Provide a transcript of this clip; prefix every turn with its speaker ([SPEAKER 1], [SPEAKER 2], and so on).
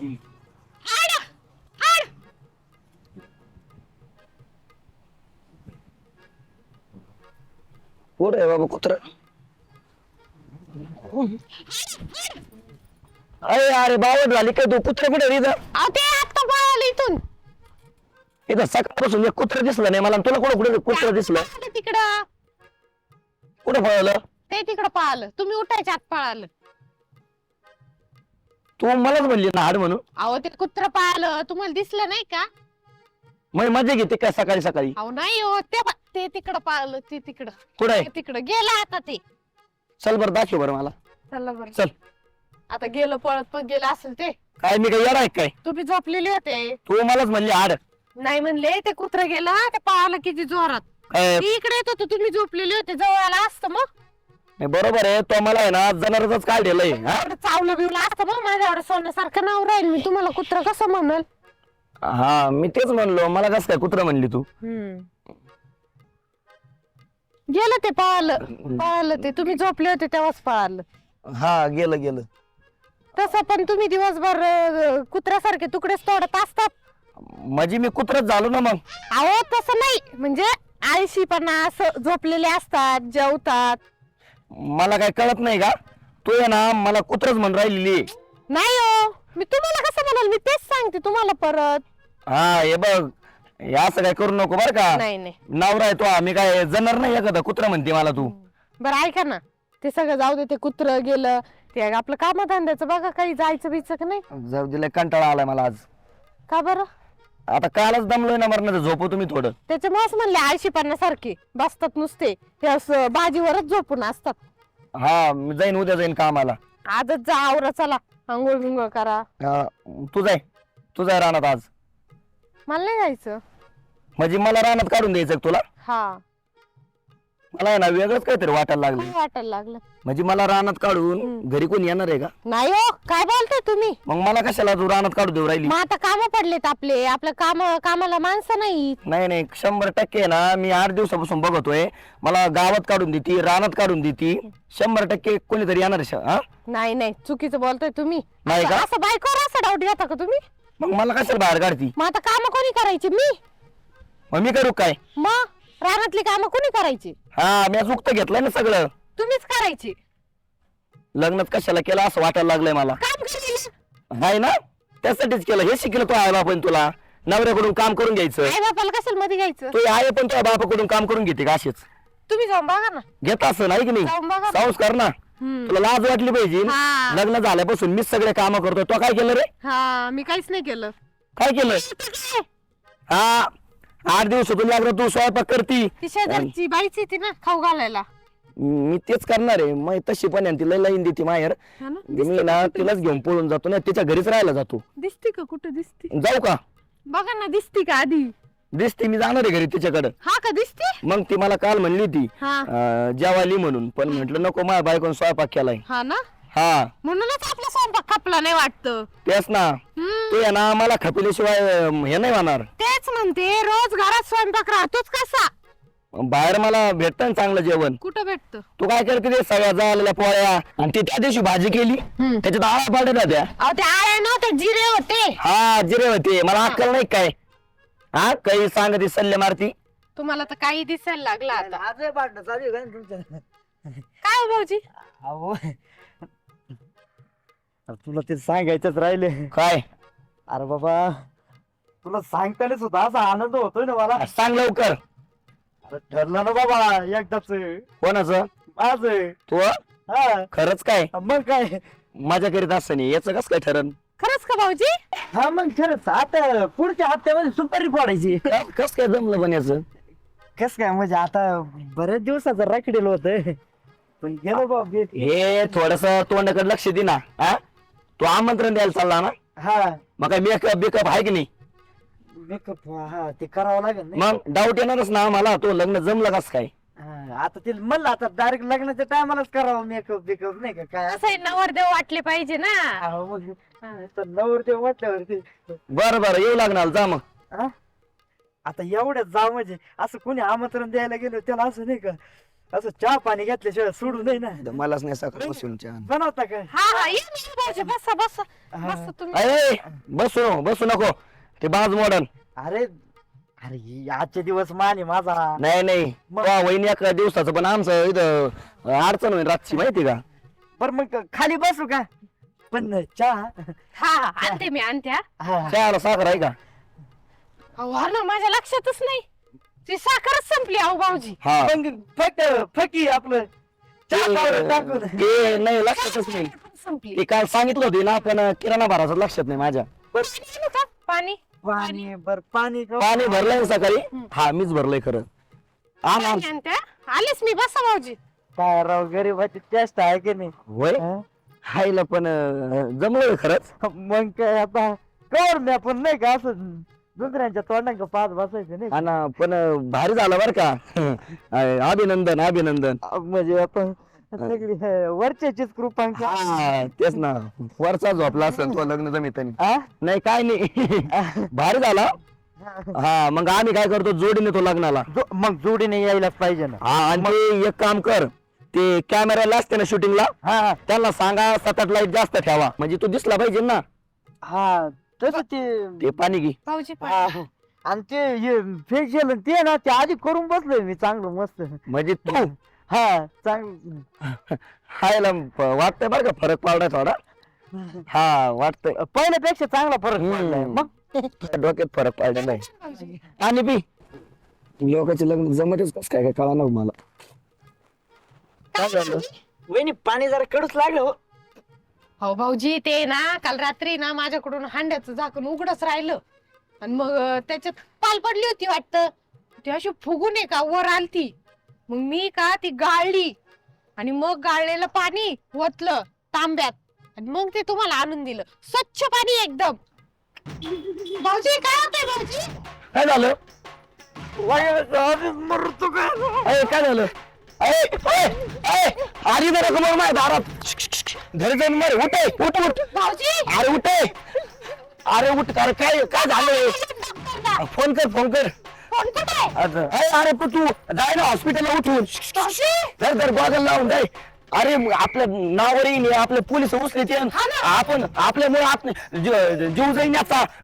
[SPEAKER 1] आड आड
[SPEAKER 2] कुठे आहे बाबा कुत्र? अरे अरे बावट झाली काय तू? कुत्र कुठे इथं?
[SPEAKER 1] अहो ते आत्ता पळालं इथून.
[SPEAKER 2] इथं सकाळपासून एक कुत्र दिसलं नाही मला. तुला कुठं कुठे कुत्र दिसलं?
[SPEAKER 1] ते तिकडं
[SPEAKER 2] कुठं पळालं?
[SPEAKER 1] ते तिकडं पळालं. तुम्ही उठायच्या आत पळालं.
[SPEAKER 2] तू मलाच म्हणली ना हाड म्हणून.
[SPEAKER 1] अहो ते कुत्र पळालं तुम्हाला दिसलं नाही का?
[SPEAKER 2] मग मजा घेते काय सकाळी सकाळी?
[SPEAKER 1] अहो नाही हो ते तिकडं पळालं. ते तिकडं
[SPEAKER 2] कुठं आहे?
[SPEAKER 1] ते तिकडं गेलं आता ते.
[SPEAKER 2] चल बरं दाखव बरं मला.
[SPEAKER 1] चला बरं.
[SPEAKER 2] चल.
[SPEAKER 1] आता गेलं पळत पण गेलं असेल ते.
[SPEAKER 2] काय मी काय येणार आहे काय?
[SPEAKER 1] तुम्ही झोपलेले होते.
[SPEAKER 2] तू मलाच म्हणली हाड.
[SPEAKER 1] नाही म्हणले ते कुत्र गेलं ते पळालं किती जोरात.
[SPEAKER 2] काय?
[SPEAKER 1] ते इकडे येत होतं तुम्ही झोपलेले होते जवळ आला असतं मग.
[SPEAKER 2] नाही बरोबर आहे. तो मला आहे ना जनावरच काढलेलंय.
[SPEAKER 1] एवढं चावलं बिवलं असतं मग माझ्यावर सोन्यासारखं नाव राहील. मी तुम्हाला कुत्र कसं म्हणल?
[SPEAKER 2] हा मी तेच म्हणलो. मला कसं काय कुत्र म्हणली तू?
[SPEAKER 1] गेलं ते पळालं ते तुम्ही झोपले होते तेव्हाच पळालं.
[SPEAKER 2] हा गेलं गेलं.
[SPEAKER 1] तसं पण तुम्ही दिवसभर कुत्र्यासारखे तुकडेच तोडत असतात.
[SPEAKER 2] म्हणजे मी कुत्रच झालो ना मग.
[SPEAKER 1] अहो तसं नाही म्हणजे आळशीपणा असं झोपलेले असतात जेवतात.
[SPEAKER 2] मला काय कळत नाही का? तू आहे ना मला कुत्रच म्हणून राहिलेली.
[SPEAKER 1] नाही हो मी तुम्हाला कसं म्हणाल? मी तेच सांगते तुम्हाला परत.
[SPEAKER 2] हा हे बघ हे असं काय करू नको बर का?
[SPEAKER 1] नाही नाही
[SPEAKER 2] नवरा आहे तो. आम्ही काय जनावर नाही एखादा कुत्रा म्हणते मला तू.
[SPEAKER 1] बरं ऐका ना ते सगळं जाऊ दे. ते कुत्र गेलं ते आपलं कामधंद्याचं बघा काही जायचं बियचं का नाही?
[SPEAKER 2] जाऊ दिलाय कंटाळा आलाय मला आज.
[SPEAKER 1] का बरं?
[SPEAKER 2] आता कालच दमलोय ना मरणार. झोपू तुम्ही थोडं.
[SPEAKER 1] त्याच्यामुळेच म्हणले आळशीपणासारखे बसतात नुसते ते असं भाजीवरच झोपून असतात.
[SPEAKER 2] हा मी जाईन उद्या जाईन कामाला.
[SPEAKER 1] आजच जा आवरा चला आंघोळ बिंघोळ करा.
[SPEAKER 2] तू जाय रानात आज.
[SPEAKER 1] मला नाही जायचं.
[SPEAKER 2] म्हणजे मला रानात काढून द्यायचं का तुला?
[SPEAKER 1] हा
[SPEAKER 2] मला आहे ना वेगळंच काहीतरी वाटायला
[SPEAKER 1] काय
[SPEAKER 2] लागलं.
[SPEAKER 1] वाटायला लागलं?
[SPEAKER 2] म्हणजे मला रानात काढून घरी कोणी येणार आहे का?
[SPEAKER 1] नाही हो काय बोलताय तुम्ही?
[SPEAKER 2] मग मला कशाला तू रानात काढू देऊ राहिली?
[SPEAKER 1] मग आता काम पडलेत आपले आपलं कामाला माणसं नाही.
[SPEAKER 2] नाही 100% ना मी 8 दिवसापासून बघतोय. मला गावात काढून देती रानात काढून देती. 100% कोणीतरी येणार आहे. हा
[SPEAKER 1] नाही चुकीचं बोलताय तुम्ही.
[SPEAKER 2] नाही का?
[SPEAKER 1] असं बायकोवर असं डाऊट घेता का तुम्ही?
[SPEAKER 2] मग मला कशाला बाहेर काढती?
[SPEAKER 1] मग आता काम कोणी करायची? मी.
[SPEAKER 2] मग मी करू काय?
[SPEAKER 1] मग रानातली कामं कोणी करायची?
[SPEAKER 2] हा मी चुकतं घेतलंय ना सगळं.
[SPEAKER 1] तुम्हीच करायची.
[SPEAKER 2] लग्नात कशाला केलं असं वाटायला लागलंय मला.
[SPEAKER 1] काम करायची
[SPEAKER 2] नाही ना त्यासाठीच केलं. हे शिकलं तो आहे बापन तुला नवऱ्याकडून काम करून घ्यायचं.
[SPEAKER 1] आई बापाला कशाला मध्ये घ्यायचं?
[SPEAKER 2] तू आहे पण तुझ्या बापाकडून काम करून घेते का असेच?
[SPEAKER 1] तुम्ही जाऊन बघा ना.
[SPEAKER 2] घेत असं नाही की नाही?
[SPEAKER 1] जाऊन बघा ना.
[SPEAKER 2] संस्कार ना. तुला लाज वाटली पाहिजे.
[SPEAKER 1] हा.
[SPEAKER 2] लग्न झाल्यापासून मीच सगळे काम करतोय. तो काय केलं रे?
[SPEAKER 1] हा मी काहीच नाही केलं.
[SPEAKER 2] काय केलं? हा 8 दिवसातून लागलं तू स्वयंपाक करती.
[SPEAKER 1] ती शेजारची बाईच येते ना खाऊ घालायला.
[SPEAKER 2] मी तेच करणार आहे. मग तशी पण आहे ना, तिला लाईन देते माहेर.
[SPEAKER 1] हा ना?
[SPEAKER 2] मी ना तिलाच घेऊन पळून जातो ना. तिच्या घरीच राहायला जातो.
[SPEAKER 1] दिसते का? कुठं दिसते?
[SPEAKER 2] जाऊ का?
[SPEAKER 1] बघा ना दिसते का आधी?
[SPEAKER 2] दिसते. मी जाणार आहे घरी तिच्याकडे.
[SPEAKER 1] हा का दिसते?
[SPEAKER 2] मग ती मला काल म्हणली होती
[SPEAKER 1] हा
[SPEAKER 2] जेवायली म्हणून. पण म्हंटल नको माझ्या बायकोन स्वयंपाक केलाय.
[SPEAKER 1] हा ना
[SPEAKER 2] हा
[SPEAKER 1] म्हणूनच आपला स्वयंपाक खपला नाही वाटतं.
[SPEAKER 2] तेच ना. तू आहे ना मला खपिल्याशिवाय हे नाही होणार.
[SPEAKER 1] तेच म्हणते रोज घरात स्वयंपाक राहतोच कसा?
[SPEAKER 2] बाहेर मला भेटत ना चांगलं जेवण.
[SPEAKER 1] कुठं भेटतं?
[SPEAKER 2] तू काय करते ते सगळ्या झालेल्या पोळ्या आणि ती त्या दिवशी भाजी केली त्याच्यात आळा पाडत होत्या.
[SPEAKER 1] अहो ते आळे नव्हते जिरे होते.
[SPEAKER 2] हा जिरे होते. मला अक्कल नाही काय? हा काही सांगते सल्ले मारती.
[SPEAKER 1] तुम्हाला तर काही दिसायला लागला आता.
[SPEAKER 3] आज भांडण चालू आहे का तुमच्या?
[SPEAKER 1] काय हो भाऊजी?
[SPEAKER 3] अहो तुला ते सांगायचंच राहिले.
[SPEAKER 2] काय?
[SPEAKER 3] अरे बाबा तुला सांगताना सुद्धा असा आनंद होतोय ना मला.
[SPEAKER 2] सांग लवकर.
[SPEAKER 3] अरे ठरलं ना बाबा एकदाच.
[SPEAKER 2] कोणाचं?
[SPEAKER 3] आज
[SPEAKER 2] तू
[SPEAKER 3] हा
[SPEAKER 2] खरंच काय
[SPEAKER 3] मग काय?
[SPEAKER 2] मजा करीत असं नाही याच कस काय ठरण?
[SPEAKER 1] खरंच का भाऊजी?
[SPEAKER 3] हा मग खरंच आता पुढच्या हप्त्यामध्ये सुपारी फोडायची.
[SPEAKER 2] कस काय जमलं पण याच?
[SPEAKER 3] कस काय म्हणजे आता बरेच दिवसाचं राखडेल होत पण गेलो बाबा.
[SPEAKER 2] हे थोडस तोंडाकडे लक्ष दे ना. हा तू आमंत्रण द्यायला चालला ना.
[SPEAKER 3] हा
[SPEAKER 2] मग काय मेकअप बिकअप आहे की नाही?
[SPEAKER 3] मेकअप हा ते करावं लागेल ना.
[SPEAKER 2] मग डाऊट येणारच ना मला. तो लग्न जमलं कस काय?
[SPEAKER 3] हा, आता ते म्हणलं आता डायरेक्ट लग्नाच्या टायमालाच करावं मेकअप बिकअप नाही का काय.
[SPEAKER 1] असं नवरदेव वाटले पाहिजे ना.
[SPEAKER 3] अहो, मग तर नवरते म्हटल्यावरती
[SPEAKER 2] बरं येऊ लागणार. जा मग.
[SPEAKER 3] हा? आता एवढ्याच जा म्हणजे असं कोणी आमंत्रण द्यायला गेलो त्याला असं नाही का असं चहा पाणी घेतल्याशिवाय सोडू नाही ना.
[SPEAKER 2] मलाच नाही सकाळ बसून चहा.
[SPEAKER 3] बनवता का?
[SPEAKER 1] हा हा ये ना भाऊजी बसा बसा बसा तुम्ही.
[SPEAKER 2] अरे बसू नको ते बाज मॉडर्न.
[SPEAKER 3] अरे अरे ही आजचे दिवस मान आहे माझा.
[SPEAKER 2] नाही वहिनी एका दिवसाचं पण आमचं इथं अडचण होईल रातची माहिती का.
[SPEAKER 3] बर मग खाली बसू का? पण चहा.
[SPEAKER 1] हा हा आणते मी आणते हा.
[SPEAKER 3] हा.
[SPEAKER 2] चहाला साखर आहे का.
[SPEAKER 1] अहो हा ना माझ्या लक्षातच नाही ती साखरच संपली अहो भाऊजी.
[SPEAKER 2] हा
[SPEAKER 3] मग फकी आपलं चहा पावडर टाकून.
[SPEAKER 2] ते नाही लक्षातच नाही.
[SPEAKER 1] संपली.
[SPEAKER 2] ते काल सांगितलं होते ना पण किराणा भरायचं लक्षात नाही माझ्या.
[SPEAKER 1] पाणी आणू का? पाणी
[SPEAKER 3] पाणी बर पाणी का?
[SPEAKER 2] पाणी भरलंय ना सकाळी. हा मीच भरलंय खरं. आण आण.
[SPEAKER 1] पाणी आणते हा. आलेच मी बसा भाऊजी.
[SPEAKER 3] काय राव गरीबाची टेस्ट आहे की नाही.
[SPEAKER 2] होय
[SPEAKER 3] हा?
[SPEAKER 2] हायला पण जमलोय खरंच.
[SPEAKER 3] मग काय आता कवर मी आपण नाही का असं दुसऱ्यांच्या तोंडांक पाच बसायचं नाही.
[SPEAKER 2] आणि पण भारी झालं बर का. अभिनंदन अभिनंदन.
[SPEAKER 3] म्हणजे आपण सगळी वरच्याचीच कृपा.
[SPEAKER 2] हा तेच ना वरचा झोपला असेल तो लग्न जमितानी.
[SPEAKER 3] हा?
[SPEAKER 2] नाही काय नाही भारी झाला. हा मग आम्ही काय करतो जोडीने तो लग्नाला.
[SPEAKER 3] मग जोडीने यायलाच पाहिजे ना.
[SPEAKER 2] हा आणि ते एक काम कर ते कॅमेराला असते ना शूटिंगला
[SPEAKER 3] हा
[SPEAKER 2] त्यांना सांगा 7-8 लाईट जास्त ठेवा म्हणजे तू दिसला पाहिजे ना.
[SPEAKER 3] हा तसं ते.
[SPEAKER 2] ते पाणी घे.
[SPEAKER 1] भाऊजी पाणी.
[SPEAKER 3] हा. आणि ते फेशियल ते ना ते आधी करून बसलोय मी चांगलं मस्त.
[SPEAKER 2] म्हणजे तू
[SPEAKER 3] हा चांगलं
[SPEAKER 2] हायला वाटतंय बरं का फरक पडलाय थोडा. हा वाटतंय
[SPEAKER 3] पहिल्यापेक्षा चांगला फरक पडलाय. मग
[SPEAKER 2] डोक्यात फरक पडलेला आहे.
[SPEAKER 1] भाऊजी.
[SPEAKER 2] आणि पी लोकांचे लग्न जमतच कस काय कळा ना मला. काय झालं.
[SPEAKER 3] वहिनी पाणी जरा कडूच लागलं हो.
[SPEAKER 1] हो भाऊजी ते ना काल रात्री ना माझ्याकडून हांड्याचं झाकण उघडच राहिलं आणि मग त्याच्यात पाल पडली होती वाटतं ती अशी फुगून आहे का वर आलती मग मी का ती गाळली आणि मग गाळलेलं पाणी ओतलं तांब्यात आणि मग ते तुम्हाला आणून दिलं स्वच्छ पाणी एकदम. भाऊजी काय होतंय भाऊजी.
[SPEAKER 2] काय झालं.
[SPEAKER 3] मरतो काय.
[SPEAKER 2] अरे काय झालं. अरे जरा समोर माझ्या दारात घरी जाऊन मर. उठ उठ उठ.
[SPEAKER 1] भाऊजी
[SPEAKER 2] अरे उठ अरे उठ. अरे काय काय झालं. फोन कर
[SPEAKER 1] फोन कुठे
[SPEAKER 2] अरे तू जाय ना हॉस्पिटलला उठून. तर गॉगल लावून जाय. अरे आपल्या नावावर येईल आपले पोलीस उचले आपण आपल्यामुळे जीव जाईन याचा